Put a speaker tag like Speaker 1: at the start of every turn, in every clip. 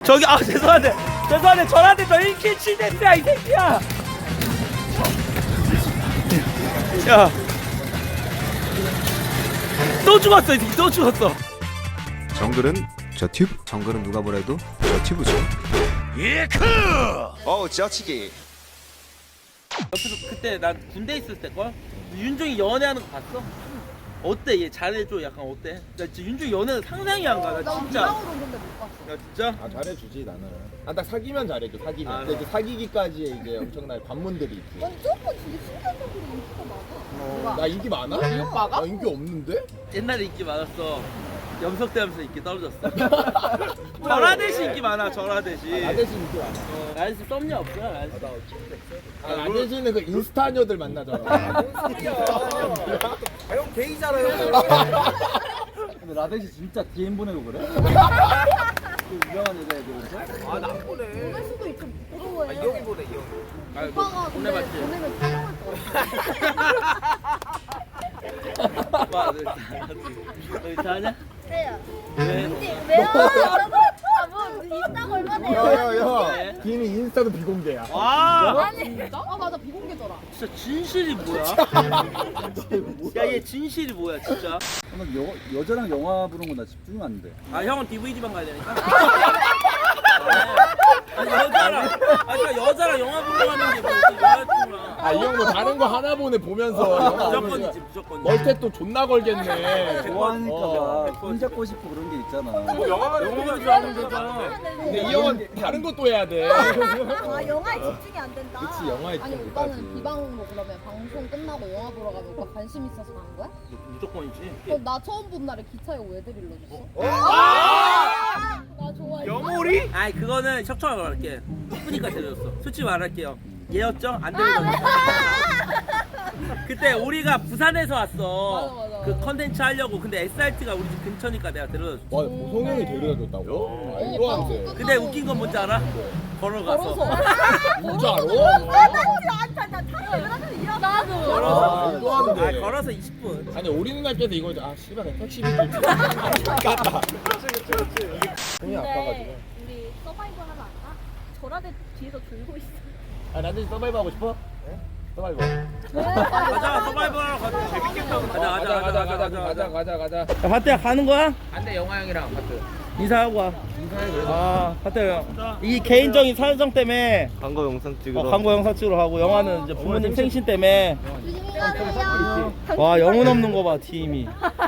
Speaker 1: 저기 죄송한데 저한테 너 1킬 7데스야 이 새끼야. 야, 또 죽었어 이 새끼 또 죽었어.
Speaker 2: 정글은 저 튜브. 정글은 누가 뭐래도 저 튜브죠. 예크. 저치기.
Speaker 1: 옆에서 그때 난 군대 있을 때 걸 윤종이 연애하는 거 봤어? 어때? 얘 잘해줘 약간 어때? 나 진짜 윤종이 연애는 상상이 안 가. 나 진짜.
Speaker 3: 나 근데 못 봤어.
Speaker 1: 야 진짜?
Speaker 4: 아 잘해주지 나는. 딱 사귀면 잘해줘. 사귀면.
Speaker 1: 아,
Speaker 4: 근데 이제 사귀기까지의 이제 엄청난 관문들이 있지.
Speaker 3: 난 조금 되게 순간적으로 인기가 많아.
Speaker 4: 나 인기 많아?
Speaker 3: 이 오빠가?
Speaker 4: 나 인기 없는데?
Speaker 1: 옛날에 인기 많았어. 염석대하면서 인기 떨어졌어. 절하대시 인기 많아. 절하대시.
Speaker 4: 나대신 인기 많아.
Speaker 1: 라이스 썸녀 없어요? 라이스.
Speaker 4: 나대신은 그 인스타녀들 만나잖아.
Speaker 5: 형 게이잖아요.
Speaker 6: 근데 라데시 진짜 DM 보내고 그래? 그 유명한 여자애들인데?
Speaker 5: 아나 안 보내.
Speaker 3: 보낼 수도 있고 부러워해.
Speaker 5: 이 형이 보내 이 형이.
Speaker 3: 오빠가 근데
Speaker 1: 보내봤지.
Speaker 3: 보내면 촬영할 거 같아.
Speaker 1: 오빠, 너 이상하냐?
Speaker 3: 그래요.
Speaker 1: 왜?
Speaker 3: 왜요? 뭐 인스타가 얼마 돼요?
Speaker 4: 야야야. 김이 인스타도 비공개야.
Speaker 1: 와!
Speaker 3: 아니. 아 맞아 비공개더라.
Speaker 1: 진짜 진실이 뭐야? 야, 얘 진실이 뭐야, 진짜?
Speaker 6: 나는 여자랑 영화 보는 거 나 집중 안 돼.
Speaker 1: 아, 형은 DVD방 가야 되니까? 여자랑 영화 보러 가는 게 뭐, 여자친구랑.
Speaker 4: 아 이 형 뭐 다른 거 하나 보면서 영화
Speaker 1: 무조건이지, 무조건.
Speaker 4: 멀테 또 존나 걸겠네.
Speaker 6: 좋아하니까
Speaker 4: 어.
Speaker 6: 막 손잡고 싶고 그런 게 있잖아.
Speaker 1: 영화만 좋아하는 거잖아.
Speaker 4: 근데 이 형은 다른 것도 해야 돼.
Speaker 3: 아 영화에 집중이 안 된다.
Speaker 4: 그치, 영화에
Speaker 3: 아니
Speaker 4: 집중이
Speaker 3: 오빠는
Speaker 4: 되지.
Speaker 3: 비방 뭐 그러면 방송 끝나고 영화 보러 가면 오빠 관심 있어서 가는 거야?
Speaker 1: 무조건이지.
Speaker 3: 나 처음 본 날에 기차에 왜 데리러 줬어? 나 좋아해.
Speaker 5: 영호리?
Speaker 1: 아이, 그거는 척척하게 말할게. 이쁘니까 데려줬어. 솔직히 말할게요. 얘였죠? 안 데려줬어. 그때 우리가 부산에서 왔어.
Speaker 3: 맞아.
Speaker 1: 그 컨텐츠 하려고. 근데 SRT가 우리 집 근처니까 내가 데려줬어.
Speaker 4: 와 보성형이 데려다 줬다고? 말도 안 돼.
Speaker 1: 근데 웃긴 건 뭔지 알아? 걸어가서.
Speaker 4: 진짜로?
Speaker 3: 나도.
Speaker 1: 걸어서.
Speaker 4: 말도 안 돼.
Speaker 1: 아, 걸어서 20분.
Speaker 4: 아니 우리 누나께서 이거 아 씨발 그냥 택시비 좀 깠다. 형이 아파가지고.
Speaker 3: 근데 우리 서바이벌 하러 안 가? 저라대 뒤에서 졸고 있어.
Speaker 4: 아 나도 서바이벌 하고 싶어? 서바이벌.
Speaker 1: 가자, 서바이벌 하러 가자. 재밌겠다. 가자.
Speaker 4: 가자.
Speaker 1: 야, 바트야 가는 거야?
Speaker 5: 안돼 영화 형이랑 바트.
Speaker 1: 인사하고 와. 아, 바트 형. 이 개인적인 사정 때문에
Speaker 2: 광고 영상 찍으러.
Speaker 1: 광고 영상 찍으러 가고 영화는 이제 부모님 생신 때문에.
Speaker 3: 조심히 가세요.
Speaker 1: 와, 영혼 없는 거 봐, 팀이.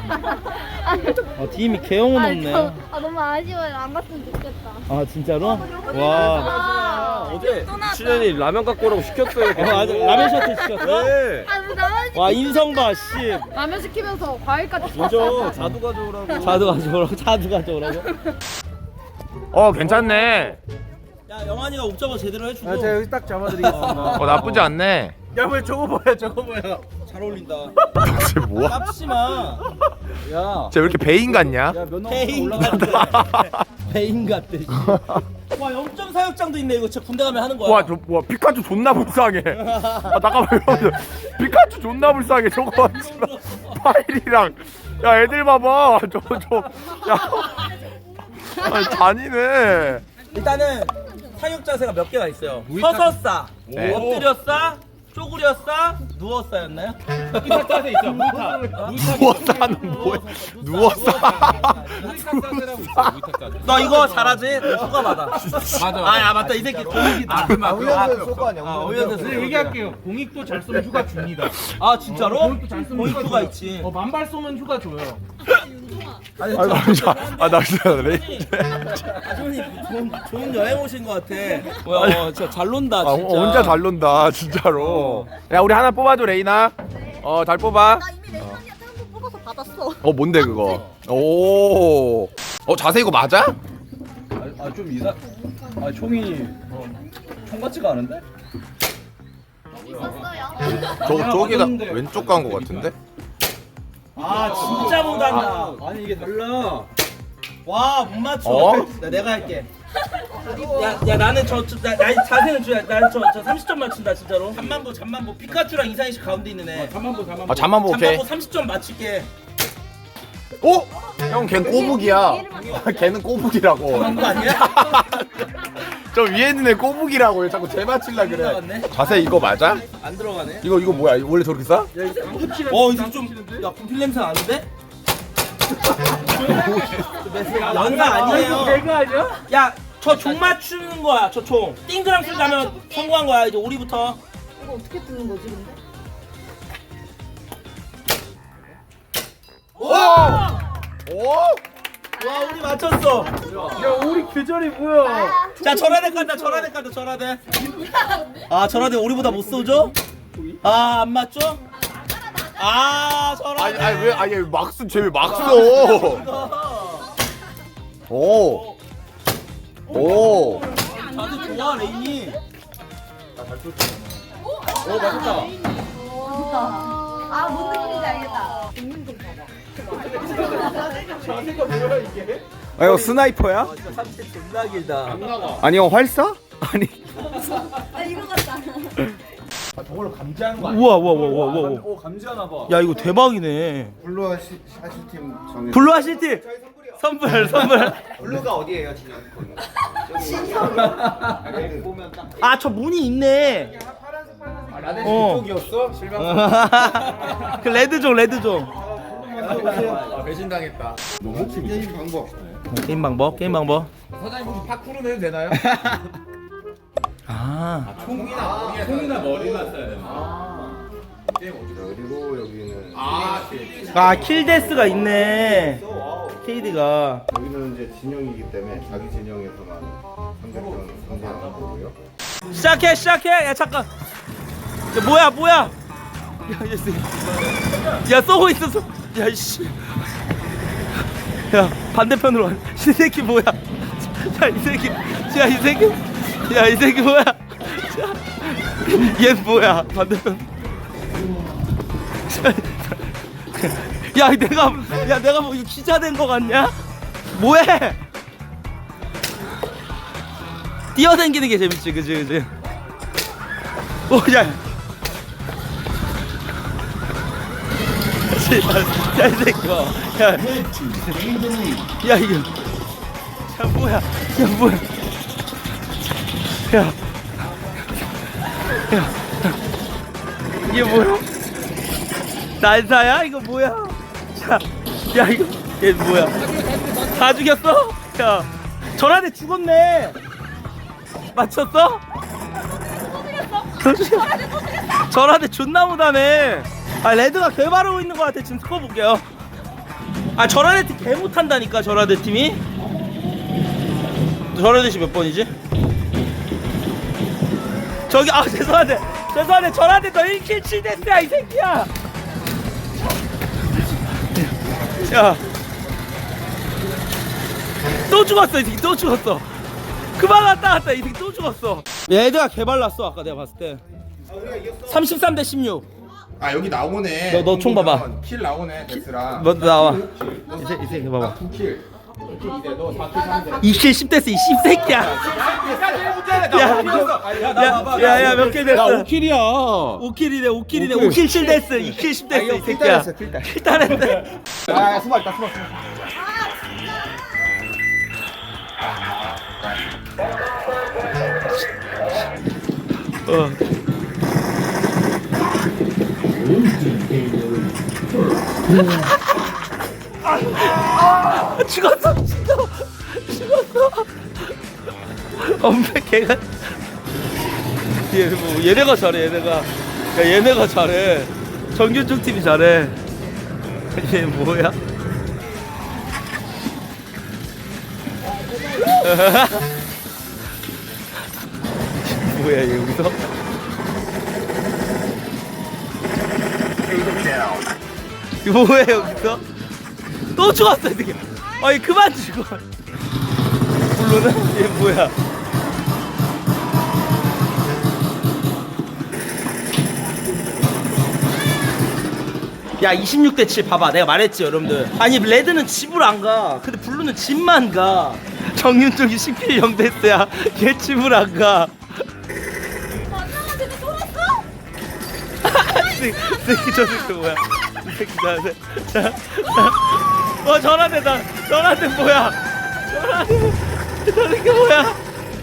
Speaker 1: 팀이 개영혼 없네.
Speaker 3: 너무 아쉬워요. 안 갔으면 좋겠다.
Speaker 1: 아, 진짜로? 와.
Speaker 2: 어제 신현이 라면 갖고 오라고 시켰어요.
Speaker 1: 맞아. 라면 셔틀 시켰어?
Speaker 2: 네.
Speaker 3: 나만
Speaker 1: 와, 인성 봐, 씨.
Speaker 3: 라면 시키면서 과일까지
Speaker 2: 맞아. 자두 가져오라고.
Speaker 1: 자두 가져오라고?
Speaker 2: 괜찮네.
Speaker 1: 야, 영환이가 옵저버 제대로 해주고.
Speaker 6: 제가 여기 딱 잡아드리겠습니다.
Speaker 2: 나쁘지 않네.
Speaker 5: 야왜 저거 뭐야 저거 뭐야?
Speaker 1: 잘 어울린다.
Speaker 2: 쟤 뭐야?
Speaker 1: 깝지 마.
Speaker 6: 야,
Speaker 2: 쟤 왜 이렇게 배인 같냐?
Speaker 6: 야 면허
Speaker 1: 배인
Speaker 6: 올라가.
Speaker 1: 같대. 배인 같대. 와, 0.4역장도 있네. 이거 진짜 군대 가면 하는 거야.
Speaker 2: 와 피카츄 존나 불쌍해. 아 잠깐만 이러면서 피카츄 존나 불쌍해. 저거 씨발 파일이랑 야 애들 봐봐. 야 잔이네.
Speaker 1: 일단은 사육 자세가 몇 개가 있어요. 서서 싸,
Speaker 2: 네.
Speaker 1: 엎드려 싸, 쪼그려 싸, 누워 싸였나요?
Speaker 5: 물타 자세 있죠 물타.
Speaker 2: 누워싸는 뭐야? 누워싸.
Speaker 1: 너 이거 잘하지? 너 휴가 받아.
Speaker 5: 맞아.
Speaker 1: 아, 맞다. 이 새끼 공익이다.
Speaker 4: 훈련소에서 쏘고 아니야?
Speaker 1: 훈련소에서
Speaker 5: 얘기할게요. 공익도 잘 쏘면 휴가 줍니다.
Speaker 1: 아, 진짜로?
Speaker 5: 공익도 잘 쏘면
Speaker 1: 공익
Speaker 5: 휴가
Speaker 1: 휴가
Speaker 5: 줘요.
Speaker 1: 있지.
Speaker 5: 만발 쏘면 휴가 줘요.
Speaker 1: 아니,
Speaker 2: 나 진짜
Speaker 1: 좋은 여행 오신 것 같아. 뭐야, 진짜 잘 논다, 진짜.
Speaker 2: 혼자 잘 논다 진짜로. 야 우리 하나 뽑아줘 레이나. 잘 뽑아.
Speaker 3: 나 이미 레이나한테 한 번 뽑아서 받았어.
Speaker 2: 뭔데 그거? 오. 자세 이거 맞아?
Speaker 6: 좀 이상. 총이 총 같지가 않은데?
Speaker 3: 있었어요.
Speaker 2: 저기다 왼쪽 간 거 같은데?
Speaker 1: 아, 진짜 못한다.
Speaker 6: 아니 이게 달라.
Speaker 1: 와, 못 맞춰.
Speaker 2: 어?
Speaker 1: 내가 할게. 야, 나는 나 자세는 줘야. 나는 저 30점 맞춘다, 진짜로. 잠만보. 피카츄랑 이상희씨 가운데 있는 애.
Speaker 5: 잠만 보.
Speaker 2: 잠만 보 오케이.
Speaker 1: 잠만보 30점 맞출게.
Speaker 2: 어? 형 걔는 꼬북이야. 걔는 꼬북이라고.
Speaker 1: 거 아니야?
Speaker 2: 저 위에 있는 애 꼬북이라고 왜 자꾸 재 맞힐라 그래.
Speaker 1: 들어갔네.
Speaker 2: 자세 이거 맞아?
Speaker 1: 안 들어가네.
Speaker 2: 이거 뭐야? 이거 원래 저렇게 싸?
Speaker 1: 이거 좀, 야, 분필 냄새 나는데? 연사 아니에요.
Speaker 6: 내가 아니야?
Speaker 1: 야, 저 종 맞추는 거야, 저 종. 띵그랑 가면 성공한 거야, 이제 오리부터.
Speaker 3: 이거 어떻게 뜨는 거지 근데?
Speaker 2: 오! 오?
Speaker 1: 와, 우리 맞췄어.
Speaker 6: 야 우리 계절이 뭐야?
Speaker 1: 자, 절하대 간다, 절하대 간다, 절하대. 아, 절하대 우리보다 못 쏘죠? 아, 안 맞죠? 아, 절하대.
Speaker 2: 아니 왜 막수 쟤 왜 막 써? 오. 오.
Speaker 1: 다들 좋아, 레인이.
Speaker 3: 오 맞았다. 아뭔 느낌인지 알겠다.
Speaker 2: 아 이거 스나이퍼야?
Speaker 1: 삼체 존나 길다.
Speaker 2: 아니 형 활사? 아니.
Speaker 3: 아 이거 같다.
Speaker 6: 저걸로 감지하는 거
Speaker 1: 우와, 우와, 우와, 우와, 우와.
Speaker 6: 오 감지하나 봐.
Speaker 1: 야, 이거 대박이네.
Speaker 7: 블루 하시팀 정해.
Speaker 1: 블루 아시티 선물.
Speaker 7: 블루가 어디예요, 진영? 보면 딱.
Speaker 1: 아, 저 문이 있네.
Speaker 6: 라덴
Speaker 1: 어.
Speaker 6: 그쪽이었어? 실망.
Speaker 1: 그 레드종.
Speaker 6: 배신당했다.
Speaker 7: 게임 방법.
Speaker 1: 게임 방법.
Speaker 6: 사장님 혹시 파쿠르는 해도 되나요?
Speaker 1: 아,
Speaker 6: 총이나 머리만 써야 되나?
Speaker 7: 그리고 여기는
Speaker 1: 킬데스가 있네. KD가.
Speaker 7: 여기는 이제 진영이기 때문에 자기 진영에서만 상대편 상대하는 거고요.
Speaker 1: 시작해. 야, 잠깐. 야, 뭐야? 야, 쏘고 있어. 야, 이씨. 야, 반대편으로 와. 이 새끼 뭐야? 야, 이 새끼 뭐야? 얘 뭐야? 반대편. 내가 뭐 이거 기자 된 거 같냐? 뭐해? 뛰어다니는 게 재밌지, 그지? 오, 야. 야, 이 새끼 봐. 야, 이거. 야, 뭐야? 이게 뭐야? 난사야? 이거 뭐야? 야, 이거 얘 뭐야? 다 죽였어? 야, 전화대 죽었네. 맞췄어? 전화대 존나 못하네. 아, 레드가 개 바르고 있는 것 같아. 지금 스코어 볼게요. 아, 전화대 팀 개 못한다니까. 전화대 팀이. 전화대 씨몇 번이지? 저기, 아, 죄송한데 전화대 너 1킬 7데스야 이 새끼야. 야, 또 죽었어. 이 새끼 또 죽었어. 그만 왔다 이 새끼 또 죽었어. 얘들아 개발났어. 아까 내가 봤을 때 33대 16.
Speaker 2: 아 여기 나오네.
Speaker 1: 너 총 봐봐.
Speaker 2: 킬 나오네 데스랑.
Speaker 1: 너 나와. 이 새끼 봐봐.
Speaker 2: 9킬.
Speaker 1: 2킬 10데스 이 씹새끼야. 야, 몇 킬 됐어?
Speaker 2: 5킬이야.
Speaker 1: 5킬이네. 5킬 7데스 2킬 10데스 이 새끼야. 킬단했대.
Speaker 2: 야 수박 있다.
Speaker 1: 죽었어. 엄마 걔가 얘네가 잘해. 얘네가 잘해. 정규쪽 팀이 잘해. 얘 뭐야? 뭐야 얘 여기서? 이거 뭐야 여기서? 또 죽었어 이 새끼. 아니 그만 죽어. 물론은 얘 뭐야? 야 26대 7 봐봐. 내가 말했지 여러분들. 아니 레드는 집을 안 가. 근데 블루는 집만 가. 정윤쪽이 10킬 0데스야. 걔 집을 안 가.
Speaker 3: 만나가지고 쫄았어?
Speaker 1: 이 새끼 저 새끼 뭐야? 이 새끼 자. 전화대다. 전화대 뭐야? 전화대 뭐야?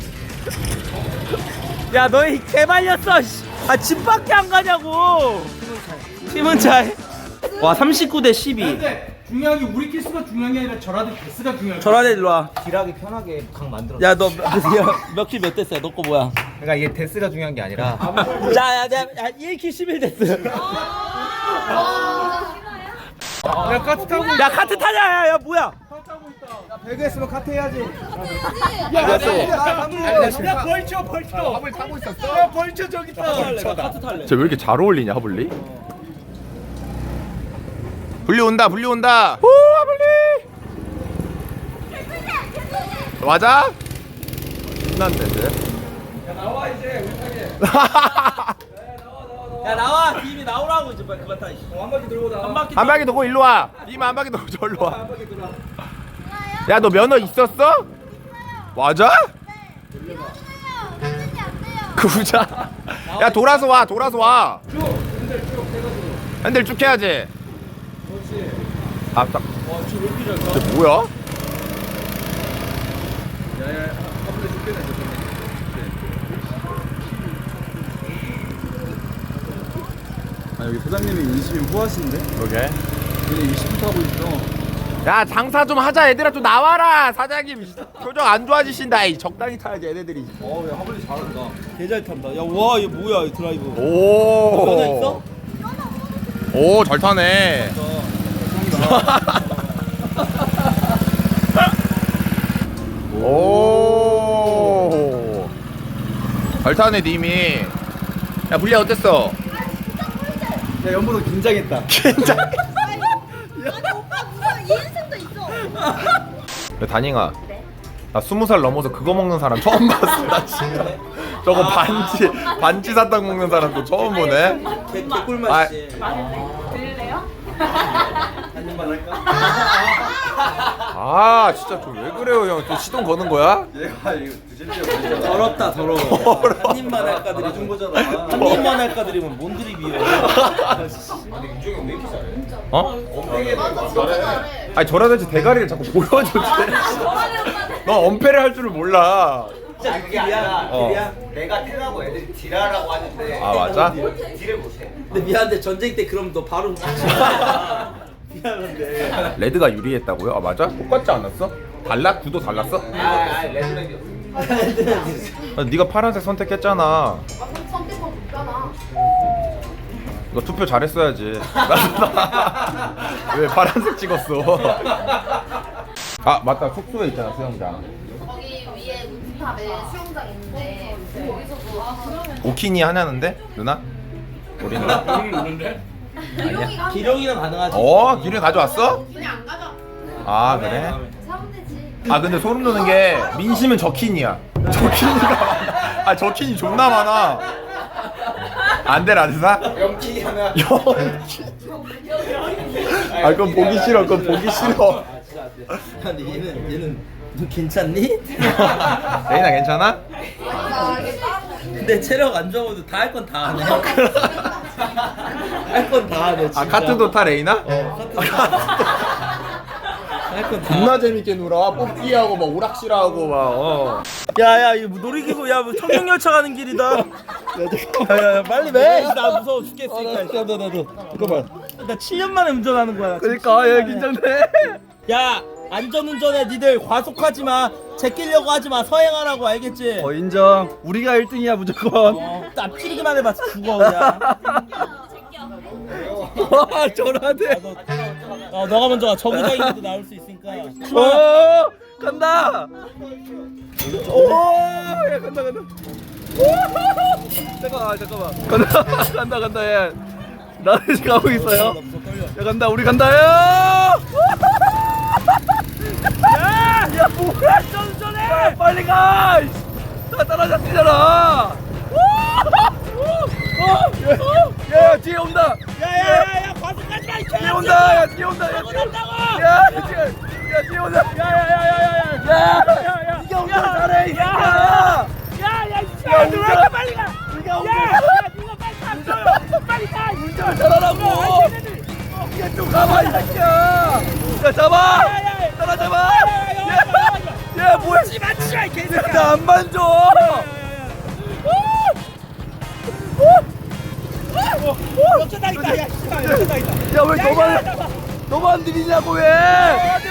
Speaker 1: 야 너희 개발렸어. 집 밖에 안 가냐고. 팀은 잘. 와 39대 12.
Speaker 5: 근데 중요한 게 우리 키스가 중요한 게 아니라 저라도 데스가 중요해.
Speaker 1: 전화대 일로 와.
Speaker 4: 딜하기 편하게 각 만들어.
Speaker 1: 야 너 몇킬 몇 됐어요? 너 거 뭐야?
Speaker 4: 그러니까 이게 데스가 중요한 게 아니라
Speaker 1: 자, 1킬 11 됐어.
Speaker 5: 야 카트 타고
Speaker 1: 야 카트 타자. 야 뭐야?
Speaker 6: 배그 했으면 카트 해야지.
Speaker 5: 야 벌쳐 벌쳐.
Speaker 2: 하블 타고 있었어?
Speaker 5: 야 벌쳐 저기 있다.
Speaker 1: 카트 탈래.
Speaker 2: 쟤 왜 이렇게 잘 어울리냐 하블리? 불리 온다 불리 온다. 오 하블리. 맞아? 신난데 쟤.
Speaker 1: 야 나와 이제 우리 타게. 야 나와. 팀이 나오라고 이제 빨리 그만 타. 한 바퀴 돌고 나와. 한 바퀴.
Speaker 2: 한 바퀴 돌고 일로 와. 이만 한 바퀴 돌고 저리로 와. 야 너 면허 있었어? 맞아? 구자. 야 돌아서 와 돌아서 와. 핸들 쭉 해야지. 아 딱. 쟤 뭐야?
Speaker 6: 아 여기 소장님이 20인 후하신데?
Speaker 2: 그러게.
Speaker 6: 얘네 20부터 하고 있어.
Speaker 2: 야 장사 좀 하자 얘들아 좀 나와라 사장님 표정 안 좋아지신다 이 적당히 타야지 얘네들이.
Speaker 6: 야 하블리 잘한다.
Speaker 1: 개잘 탄다. 야 와 이거 뭐야 이 드라이브. 면허 있어?
Speaker 2: 오 잘 타네. 오. 잘 타네 님이. 야 불리야 어땠어?
Speaker 6: 야 연보도 긴장했다.
Speaker 2: 진짜.
Speaker 3: 아니 오빠 무슨 이인승도 있어.
Speaker 2: 야, 다닝아. 나 20살 넘어서 그거 먹는 사람 처음 봤어. 나 진짜. 저거 반지 사탕 먹는 사람도 처음 보네.
Speaker 1: 개꿀맛이지.
Speaker 3: 들릴래요?
Speaker 1: 한 입만 할까?
Speaker 2: 아 진짜 좀 왜 그래요 형? 또 시동 거는 거야?
Speaker 6: 얘가 이거 드실게요.
Speaker 1: 더럽다 더러워. 한 입만 할까 드리면 거잖아. 한 입만 할까 드리면 뭔 드립이에요?
Speaker 2: 어? 아니 저라든지 대가리를 자꾸 보여줘. 너 엄폐를 할 줄을 몰라.
Speaker 1: 진짜 길이야.
Speaker 2: 어.
Speaker 1: 길이야.
Speaker 4: 내가 태가고 애들이 딜하라고 하는데
Speaker 2: 아 맞아?
Speaker 4: 딜을 못해.
Speaker 1: 근데 미안한데 전쟁 때 그럼 너 바로 미안한데.
Speaker 2: 레드가 유리했다고요? 아 맞아? 똑같지 않았어? 달라? 구도 달랐어?
Speaker 4: 아 레드백이었어.
Speaker 2: 아, 네가 파란색 선택했잖아.
Speaker 3: 선택법 없잖아.
Speaker 2: 너 투표 잘했어야지. 왜 파란색 찍었어? 아 맞다 숙소에 있잖아 수영장.
Speaker 3: 거기 위에 루프탑에 수영장 있는데 거기서도
Speaker 2: 오키니 하냐는데 누나? 우리는?
Speaker 3: 기룡이가
Speaker 1: 기룡이랑 가능하지.
Speaker 2: 기름 가져왔어?
Speaker 3: 그냥 안 가져.
Speaker 2: 아 그래?
Speaker 3: 사면 되지.
Speaker 2: 아 근데 소름 돋는 게 민심은 저키니야. 저키니가 많아. 아 저키니 존나 많아. 안돼 라드사?
Speaker 4: 영키기 하나.
Speaker 2: 아 그건 보기 싫어. 그건 보기 싫어.
Speaker 1: 근데 얘는 너 괜찮니?
Speaker 2: 레이나 괜찮아?
Speaker 1: 근데 체력 안 좋아도 다 할 건 다 하네. 할 건 다 하네. 진짜.
Speaker 2: 아 카트도 타 레이나?
Speaker 1: 할건 다.
Speaker 2: 존나 재밌게 놀아. 뽑기하고 막 오락실하고 막.
Speaker 1: 야야 이거 놀이기구 야뭐 청룡열차 가는 길이다. 야야 빨리 매. 나 무서워 죽겠으니까. 나도. 잠깐만. 나 7년 만에 운전하는 거야.
Speaker 2: 그러니까 얘 긴장돼.
Speaker 1: 야 안전운전해. 니들 과속하지 마. 제끼려고 하지 마. 서행하라고 알겠지?
Speaker 6: 인정. 우리가 1등이야 무조건.
Speaker 1: 납치기만 해봐 죽어 그냥.
Speaker 6: 와 저라대.
Speaker 1: 너가 먼저 가. 저구장인데도 나올 수 있으니까.
Speaker 6: 오 간다. 오야 간다. 잠깐만. 간다 얘. 나는 지금 가고 있어요. 야 간다 우리 간다 야. 야 뭐야 전전해. 빨리 가. 나 따라잡히잖아. 야 뒤에 온다.
Speaker 1: 야야야야 과속하지 마.
Speaker 6: 뒤에 온다. 야 뒤에 온다. 야 뒤에 온다. 야야야야야. 네가 운전 잘해. 야.
Speaker 1: 야야 왜 이렇게 빨리 가.
Speaker 6: 네가
Speaker 1: 야 니가 빨리 가. 빨리 가.
Speaker 6: 운전 잘하라고. 얘 좀 가봐 이 새끼야. 야 잡아 따라잡아 얘 뭐야 나안 만져 야왜 너만 들이냐고 왜 야,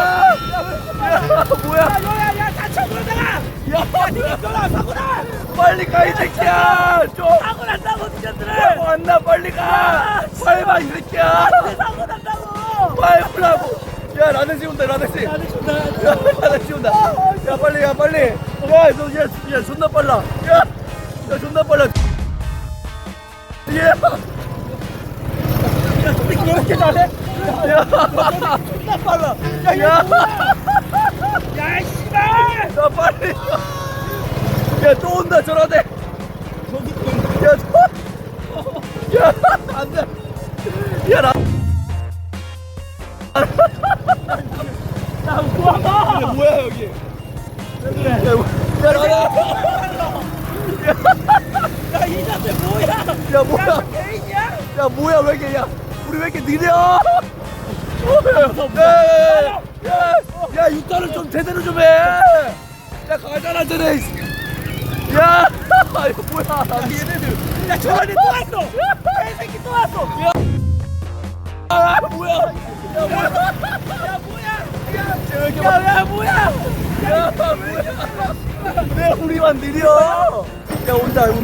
Speaker 6: 뭐야 야 다쳐 그러다가 야 니가 떠나 사고나 빨리 가 이 새끼야 좀 사고 난다고 니들은 사고 안나 빨리 가 빨리 봐 이 새끼야 사고 난다고 빨리 오라고 야 라데시 온다 라데시 야 라데시 온다 야 빨리 야 빨리 야 존나 빨라 야 존나 빨라 야 왜 이렇게 잘해? 야, 존나 빨라. 야, 씨발! 야, 빨리. 야, 또 온다, 저러대. 야, 야, 안 돼. 야, 나. 야, 뭐야, 여기. 야, 나가. 야, 이 자세 뭐야? 야, 뭐야? 개인이야? 야, 뭐야, 왜 이렇게, 야. 우리 왜 이렇게 느려? 야, 육단을 좀 제대로 좀 해. 야, 가잖아, 쟤네. 야, 이거 뭐야? 얘네들. 야, 저한테 또 왔어. 개새끼 또 왔어. 야, 아, 뭐야? 야, 뭐야? 야, 뭐야? 야, 뭐야? 야, 뭐야? 왜 우리만 느려? 야, 온다. 야,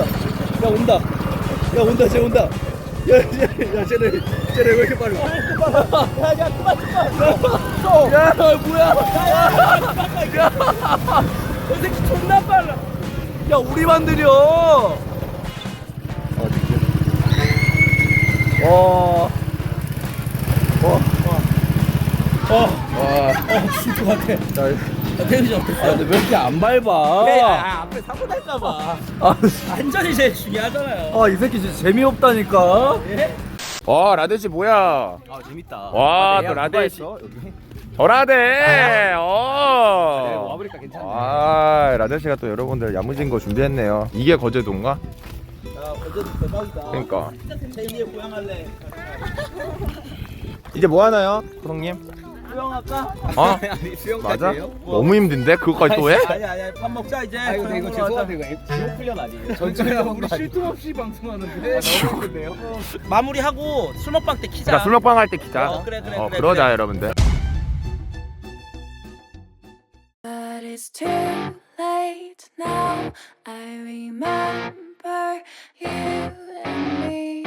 Speaker 6: 온다. 쟤 온다. 야, 쟤네 왜 이렇게 빨라? 야, 그만. 야, 뭐야? 야, 저 새끼 존나 빨라. 야, 우리만 느려. 죽을 것 같아. 텐션. 근데 왜 이렇게 안 밟아?
Speaker 1: 앞에 사고 날까봐.
Speaker 6: 안전이 제일
Speaker 1: 중요하잖아요.
Speaker 6: 이 새끼 진짜 재미없다니까.
Speaker 2: 와 라데시 뭐야
Speaker 1: 아 재밌다.
Speaker 2: 와 또 라데시 저 라데
Speaker 1: 와보니까 괜찮네.
Speaker 2: 아 라데시가 또 여러분들 야무진 거 준비했네요 이게 거제도인가?
Speaker 1: 야 어제도 대박이다.
Speaker 2: 그러니까
Speaker 1: 제2의 고향할래.
Speaker 2: 이제 뭐 하나요 호동님?
Speaker 1: 수영할까?
Speaker 2: 어?
Speaker 1: 아니 수영
Speaker 2: 맞아? 너무 힘든데 그거까지 또 해?
Speaker 1: 아니 밥 먹자 이제.
Speaker 4: 아이고 근데 이거 죄송한데 이거 지옥 훈련 아니에요?
Speaker 5: 전체야 우리 쉴 틈 없이 방송하는데 너무 힘든데요?
Speaker 1: 마무리하고 술 먹방 때 키자.
Speaker 2: 그러니까 술 먹방 할 때 기자
Speaker 1: 그래,
Speaker 2: 그러자
Speaker 1: 그래.
Speaker 2: 여러분들
Speaker 8: But it's too late now. I remember you and me,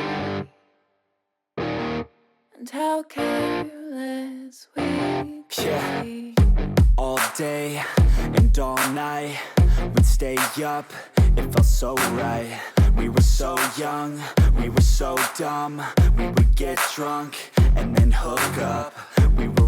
Speaker 8: and how careless we could be.
Speaker 9: All day and all night, we'd stay up, it felt so right. We were so young, we were so dumb. We would get drunk and then hook up. We were